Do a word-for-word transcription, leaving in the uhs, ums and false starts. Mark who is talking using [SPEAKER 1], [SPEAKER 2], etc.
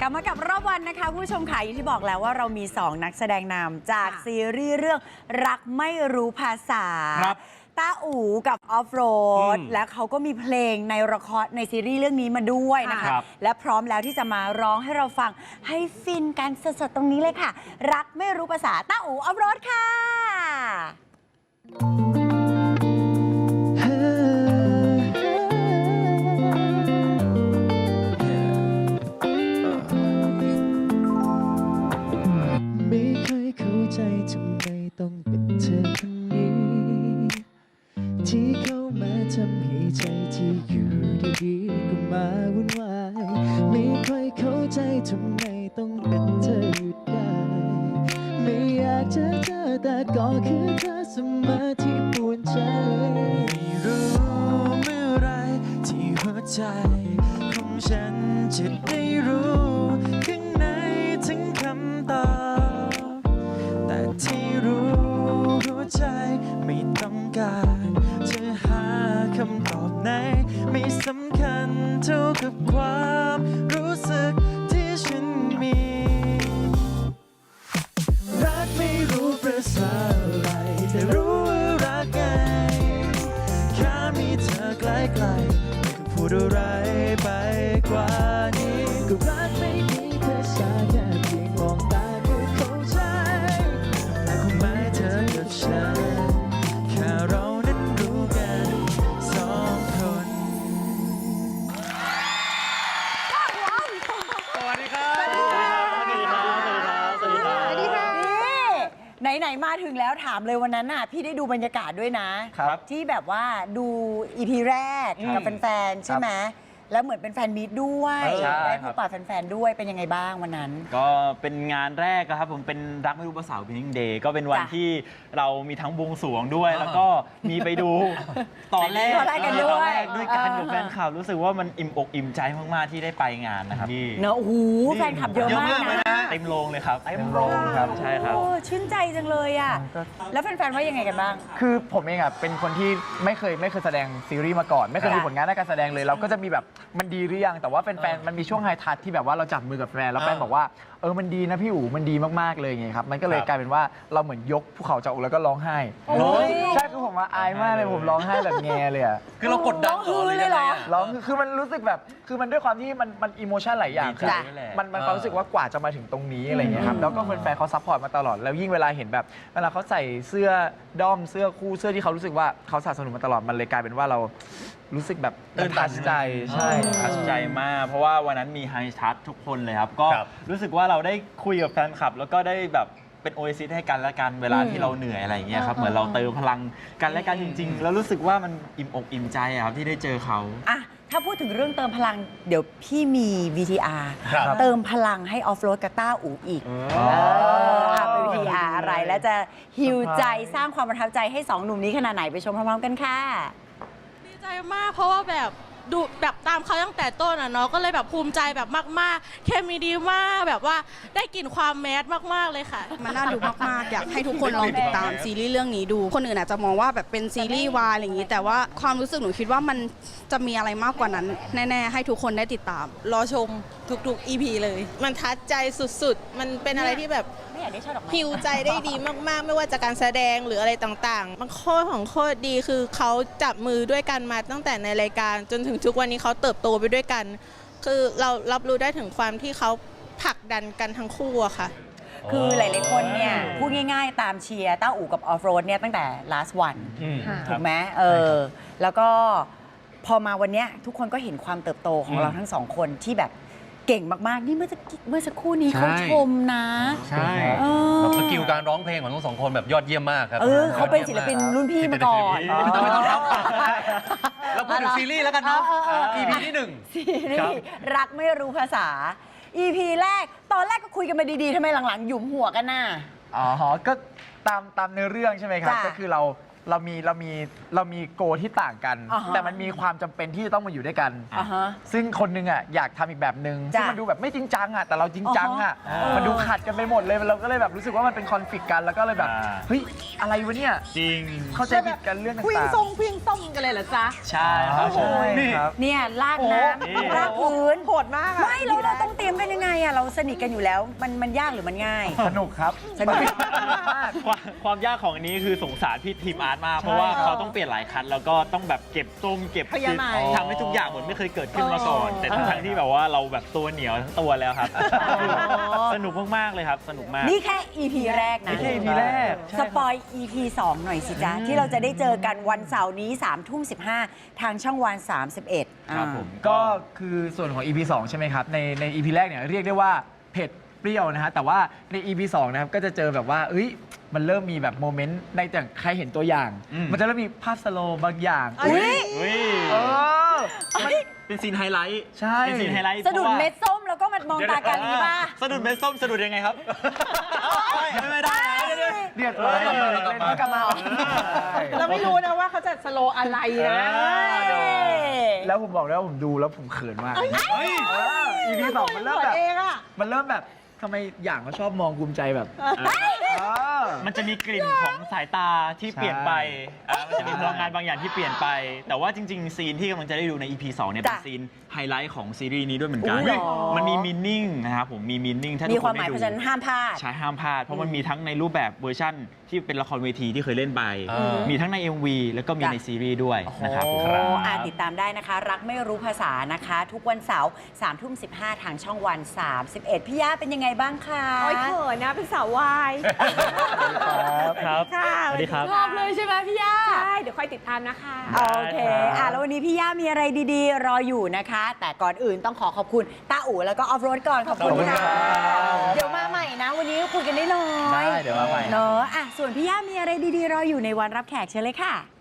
[SPEAKER 1] ลับมากับรอบวันนะคะคุณผู้ชมค่ะอย่างที่บอกแล้วว่าเรามีสองนักแสดงนำจากซีรีส์เรื่องรักไม่รู้ภาษาต้าอู๋กับออฟโรดและเขาก็มีเพลงในละครในซีรีส์เรื่องนี้มาด้วยนะคะและพร้อมแล้วที่จะมาร้องให้เราฟังให้ฟินกันสดๆตรงนี้เลยค่ะรักไม่รู้ภาษาต้าอู๋ออฟโรดค่ะ
[SPEAKER 2] ไม่เคยเข้าใจทำไมต้องเป็นเธอคนนี้ที่เข้ามาทำให้ใจที่อยู่ดีๆก็มาวุ่นวายไม่ค่อยเข้าใจทำไมต้องเป็นเธออยู่ได้ไม่อยากจะเจอแต่ก็คือเธอเสมอที่ปวดใจไม่รู้เมื่อไรที่หัวใจของฉันจะได้รู้ข้างในถึงคำตอบแต่ที่รู้หัวใจไม่ต้องการจะหาคำตอบไหนไม่สำคัญเท่ากับความรู้สึกที่ฉันมีรักไม่รู้ประสาอะไรแต่รู้ว่ารักไงแค่มีเธอใกล้ๆไม่ต้องพูดอะไรไปกว่านี้ก็รักไม่มีภาษาแค่เพียงมองตาก็เข้าใจแต่คงไม่เธอกับฉันแค่เรานั้นรู้กันสองคน
[SPEAKER 3] สวัสดีครับ สวัสดีครับ สวัสดีครับ สวัสดีครับ สวัสดีครับ
[SPEAKER 1] นี่ไหนๆมาถึงแล้วถามเลยวันนั้นน่ะพี่ได้ดูบรรยากาศด้วยนะครับที่แบบว่าดูอีพีแรกกับแฟนๆใช่ไหมแล้วเหมือนเป็นแฟนมีตด้วยได้พบปะแฟนๆด้วยเป็นยังไงบ้างวันนั้น
[SPEAKER 3] ก็เป็นงานแรกครับผมเป็นรักไม่รู้ภาษา Opening Day ก็เป็นวันที่เรามีทั้งบวงสรวงด้วยแล้วก็มีไปดูตอนแรก
[SPEAKER 1] กันด้วย
[SPEAKER 3] ด้วยกันกับแฟนคลับรู้สึกว่ามันอิ่มอกอิ่มใจมากๆที่ได้ไปงานนะครับพี่
[SPEAKER 1] เนอะโอ้โหแฟนคลับเยอะมากนะ
[SPEAKER 3] เต็มโรงเลยครับ
[SPEAKER 4] เต็มโรงครับ
[SPEAKER 3] ใช่ครับ
[SPEAKER 1] ชื่นใจจังเลยอ่ะแล้วแฟนๆว่ายังไงกันบ้าง
[SPEAKER 4] คือผมเองอ่ะเป็นคนที่ไม่เคยไม่เคยแสดงซีรีส์มาก่อนไม่เคยมีผลงานด้านการแสดงเลยเราก็จะมีแบบมันดีหรือยังแต่ว่าแฟนๆมันมีช่วงไฮทัชที่แบบว่าเราจับมือกับแฟนแล้วแฟนบอกว่าเออมันดีนะพี่อู๋มันดีมากๆเลยไงครับมันก็เลยกลายเป็นว่าเราเหมือนยกภูเขาจากอกแล้วก็ร้องไห้ใช่คือผมว่าอายมากเลยผมร้องไห้แบบแงเลยอ่ะ
[SPEAKER 3] คือเรากดดัน
[SPEAKER 1] เลยเหรอ
[SPEAKER 4] ร้องคือมันรู้สึกแบบคือมันด้วยความที่มันมันอิโมชันหลายอย่างคือมันมันความรู้สึกว่ากว่าจะมาถึงตรงนี้อะไรเงี้ยครับแล้วก็แฟนๆเขาซัพพอร์ตมาตลอดแล้วยิ่งเวลาเห็นแบบเวลาเขาใส่เสื้อด้อมเสื้อคู่เสื้อที่เขารู้สึกว่าเขาสนับสนุนมาตลอดมันเลยกลายเป็นว่าเรารู้สึกแบบตื่นตันใจใช่
[SPEAKER 3] ตันใจมากเพราะว่าวันนั้นมีไฮทัชทุกคนเลยครับก็รู้สึกว่าเราได้คุยกับแฟนคลับแล้วก็ได้แบบเป็นโอเอซิสให้กันและกันเวลาที่เราเหนื่อยอะไรอย่างเงี้ยครับเหมือนเราเติมพลังกันและกันจริงๆแล้วรู้สึกว่ามันอิ่มอกอิ่มใจครับที่ได้เจอเขา
[SPEAKER 1] อะถ้าพูดถึงเรื่องเติมพลังเดี๋ยวพี่มี วี ที อาร์ เติมพลังให้ออฟโรดกับต้าอู๋อีกเป็น วี ที อาร์ อะไรและจะฮิวใจสร้างความประทับใจให้สองหนุ่มนี้ขนาดไหนไปชมพร้อมๆกันค่ะ
[SPEAKER 5] ดีใจมากเพราะว่าแบบดูแบบตามเขาตั้งแต่ต้นอ่ะเนาะก็เลยแบบภูมิใจแบบมากๆเคมีดีมากแบบว่าได้กลิ่นความแมสมากๆเลยค่ะ
[SPEAKER 6] มันน่าดูมากๆอยากให้ทุกคนลองติดตามซีรีส์เรื่องนี้ดูคนอื่นอาจจะมองว่าแบบเป็นซีรีส์วายอะไรอย่างนี้แต่ว่าความรู้สึกหนูคิดว่ามันจะมีอะไรมากกว่านั้นแน่ๆให้ทุกคนได้ติดตาม
[SPEAKER 5] รอชมทุกๆ อี พี เลยมันทัดใจสุดๆมันเป็นอะไรที่แบบฮิวใจได้ดีมากๆไม่ว่าจะการแสดงหรืออะไรต่างๆมันโคตรของโคตรดีคือเขาจับมือด้วยกันมาตั้งแต่ในรายการจนถึงทุกวันนี้เขาเติบโตไปด้วยกันคือเรารับรู้ได้ถึงความที่เขาผลักดันกันทั้งคู่อะค่ะ
[SPEAKER 1] คือหลายๆคนเนี่ยพูดง่ายๆตามเชียร์ต้าอู่กับออฟโรดเนี่ยตั้งแต่ last one ถูกไหมเออแล้วก็พอมาวันนี้ทุกคนก็เห็นความเติบโตของเราทั้งสองคนที่แบบเก่งมากๆนี่เมื่อเมื่อสักครู่นี้เขาชมนะ
[SPEAKER 3] ใช่
[SPEAKER 7] สกิลการร้องเพลงของทั้งสองคนแบบยอดเยี่ยมมากครับ
[SPEAKER 1] เออเขาเป็นศิลปินรุ่นพี่มาก่อน
[SPEAKER 7] ไม่ต้องไม่ต้องรับเราพูดถึงซีรีส์แล้วกันเนาะ อี พี ที่หนึ่ง
[SPEAKER 1] ซีรีส์รักไม่รู้ภาษา อี พี แรกตอนแรกก็คุยกันมาดีๆทำไมหลังๆหยุมหัวกันน่ะ
[SPEAKER 4] อ๋อก็ตามตามเนื้อเรื่องใช่ไหมครับก็คือเราเรามีเรามีเรามีโกที่ต่างกันแต่มันมีความจำเป็นที่จะต้องมาอยู่ด้วยกันซึ่งคนนึงอ่ะอยากทำอีกแบบนึงซึ่งมันดูแบบไม่จริงจังอ่ะแต่เราจริงจังอ่ะมันดูขัดกันไปหมดเลยเราก็เลยแบบรู้สึกว่ามันเป็นคอนฟ lict กันแล้วก็เลยแบบเฮ้ยอะไรวะเนี่ย
[SPEAKER 3] จริง
[SPEAKER 4] เข้าใจผิดกันเรื่องต่างๆ
[SPEAKER 1] คุยทรงคุยต้มกันเลยเหรอจ๊ะ
[SPEAKER 3] ใช่ครับผม
[SPEAKER 1] เนี่ยลากน้ำลากพื้นโหดมากไม่เราเราต้องเตรียมกันมันยังไงอะเราสนิทกันอยู่แล้วมันมันยากหรือมันง่าย
[SPEAKER 4] สนุกครับ
[SPEAKER 1] สนุก
[SPEAKER 3] ความความยากของอันนี้คือสงสารพี่ทีมอาร์ตมาก เพราะว่าเขาต้องเปลี่ยนหลายคันแล้วก็ต้องแบบเก็บส้มเก็บ
[SPEAKER 5] พยายาม
[SPEAKER 3] ทำให้ทุกอย่างเหมือนไม่เคยเกิดขึ้นมาก่อน แต่ทั้งๆที่แบบว่าเราแบบตัวเหนียวทั้งตัวแล้วครับ สนุกมากๆเลยครับ สนุกมาก
[SPEAKER 1] นี่แค่ อี พี แรกนะ
[SPEAKER 3] นี่แค่ อี พี แรก
[SPEAKER 1] สปอย อี พี สอง หน่อยสิจ๊ะ ที่เราจะได้เจอกันวันเสาร์นี้3ามทุ่มสิทางช่องวัน สามสิบเอ็ด
[SPEAKER 3] ครับผม
[SPEAKER 4] ก็คือส่วนของ อี พี สอง ใช่ไหมครับ ในใน อี พี แรกเนี่ยเรียกได้ว่าเผ็ดเปรี้ยวนะฮะแต่ว่าใน อี พี สอง นะครับก็จะเจอแบบว่าเอ้ยมันเริ่มมีแบบโมเมนต์ในแต่ใครเห็นตัวอย่าง
[SPEAKER 3] อืม
[SPEAKER 4] มันจะเริ่มมีภาพสโลว์บางอย่าง
[SPEAKER 1] อุ๊ย
[SPEAKER 3] อุ้ย
[SPEAKER 4] เออ
[SPEAKER 3] มันเป็นซีนไฮไลท์
[SPEAKER 4] ใช่
[SPEAKER 3] เป็นซีนไฮไลท์
[SPEAKER 1] สะดุด
[SPEAKER 3] พราว่า
[SPEAKER 1] เม็ดส้มแล้วก็มันมองตากันนี้ป่ะ
[SPEAKER 3] สะดุดเม็ดส้มสะดุดยังไงครับ ไม่ได้
[SPEAKER 4] เดือดร้อน
[SPEAKER 3] เออ
[SPEAKER 4] เล่นกลับมา
[SPEAKER 5] เราไม่รู้นะว่าเขาจะสโลว์อะไรนะ
[SPEAKER 4] แล้วผมบอกเลยว่าผมดูแล้วผมเขินมาก อี พี สอง มันเริ่มแบบ
[SPEAKER 5] เองอะ
[SPEAKER 4] มันเริ่มแบบทำไมอย่างเขาชอบมองภูมิใจแบบเออ
[SPEAKER 3] มันจะมีกลิ่นของสายตาที่เปลี่ยนไปอ่ามันจะมีพลังงานบางอย่างที่เปลี่ยนไป แต่ว่าจริง ๆ ซีนที่กำลังจะได้ดูใน อี พี สอง เนี่ย เป็น
[SPEAKER 1] จ้ะ
[SPEAKER 3] ซีนไฮไลท์ของซีรีส์นี้ด้วยเหมือนกัน
[SPEAKER 1] อุ๊ยเหรอ
[SPEAKER 3] มันมีมินนิ่งนะครับผม มีมินนิ่งถ้าทุ
[SPEAKER 1] มี
[SPEAKER 3] ก
[SPEAKER 1] ค
[SPEAKER 3] ค
[SPEAKER 1] วาม
[SPEAKER 3] น
[SPEAKER 1] หมาย
[SPEAKER 3] ได้
[SPEAKER 1] เพ
[SPEAKER 3] ดู
[SPEAKER 1] ราะฉะนั้นห้ามพลาด
[SPEAKER 3] ใช่ห้ามพลาด เพราะมันมีทั้งในรูปแบบเวอร์ชั่นที่เป็นละครเวทีที่เคยเล่นไป
[SPEAKER 7] อืม
[SPEAKER 3] มีทั้งใน เอ็ม วี แล้วก็มี
[SPEAKER 1] จ้ะ
[SPEAKER 3] ในซีรีส์ด้วยนะครับ
[SPEAKER 1] โอ้
[SPEAKER 3] ครับ
[SPEAKER 1] อ่าติดตามได้นะคะ รักไม่รู้ภาษานะคะ ทุกวันเสาร์สามทุ่มสิทางช่องวัน สามสิบเอ็ด พี่ย่าเป็นยังไงบ้างคะ
[SPEAKER 8] โอ้ยเขินนะเป็นสาววาย
[SPEAKER 3] ครับ
[SPEAKER 8] ค่ะ
[SPEAKER 3] สวัสดีครับ
[SPEAKER 8] ชอบเลยใช่ไหมพี่ย่า ใช่ เดี๋ยวคอยติดตามนะคะ
[SPEAKER 1] โอเค อ่ะ แล้ววันนี้พี่ย่ามีอะไรดีๆ รออยู่นะคะ แต่ก่อนอื่นต้องขอขอบคุณต้าอู๋แล้วก็ออฟโรดก่อน ขอบคุณ
[SPEAKER 4] ขอบคุณ
[SPEAKER 1] ค่ะ
[SPEAKER 4] ครับ
[SPEAKER 1] เดี๋ยวมาใหม่นะ วันนี้คุยกันได้น้อย
[SPEAKER 4] ได้เดี๋ยวมาใหม่
[SPEAKER 1] เนอะอ่ะ ส่วนพี่ย่ามีอะไรดีๆ รออยู่ในวันรับแขกเชิญเลยค่ะ